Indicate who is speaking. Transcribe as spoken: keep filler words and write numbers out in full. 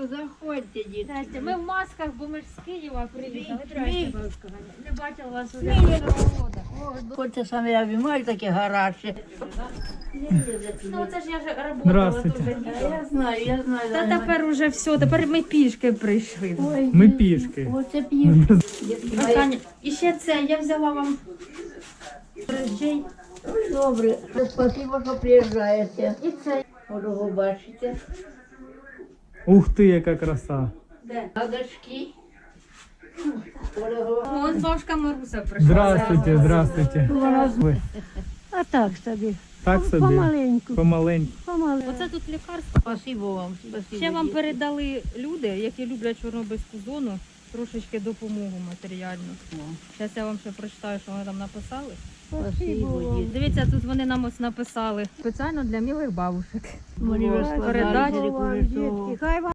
Speaker 1: заходьте, дітки.
Speaker 2: Здрасте. Ми в масках, бо ми ж з Києва приїхали.
Speaker 1: Ми-
Speaker 2: Здрасте, бабушка Ганя. Не бачила вас уже
Speaker 1: Ми-
Speaker 2: цього года.
Speaker 1: Хочете саме я обіймаю таке гаряче.
Speaker 2: Ну це ж я ж працювала
Speaker 3: Здравствуйте.
Speaker 2: дуже.
Speaker 1: Я знаю, я знаю.
Speaker 2: Та тепер уже все, тепер ми пішки прийшли.
Speaker 1: Ой,
Speaker 3: Ми пішки.
Speaker 1: Оце п'ють. Дітки мої.
Speaker 2: Останнє. І ще це, я взяла вам речей.
Speaker 1: Ой, добре. Спасибо, що приїжджаєте.
Speaker 2: І це.
Speaker 1: Дорого бачите.
Speaker 3: Ух ти, яка краса.
Speaker 2: Де?
Speaker 1: Гадочки. Дорого.
Speaker 2: О, ось бабушка Маруся прийшла.
Speaker 3: Здравствуйте, здравствуйте. Ви
Speaker 4: А так собі.
Speaker 3: так собі?
Speaker 4: Помаленьку.
Speaker 3: Помаленьку.
Speaker 4: Помаленьку.
Speaker 2: Оце тут лікарство.
Speaker 1: Спасибо вам. Спасибо.
Speaker 2: Ще вам
Speaker 1: дітки.
Speaker 2: передали люди, які люблять Чорнобильську зону, трошечки допомогу матеріальну. Зараз я вам ще прочитаю, що вони там написали.
Speaker 1: Спасибо, дітки.
Speaker 2: Дивіться, тут вони нам ось написали. Спеціально для милих бабушек.
Speaker 1: Мені розкладали,
Speaker 2: Передать.
Speaker 1: дітки,
Speaker 4: Вам,
Speaker 1: що-
Speaker 4: дітки, хай вам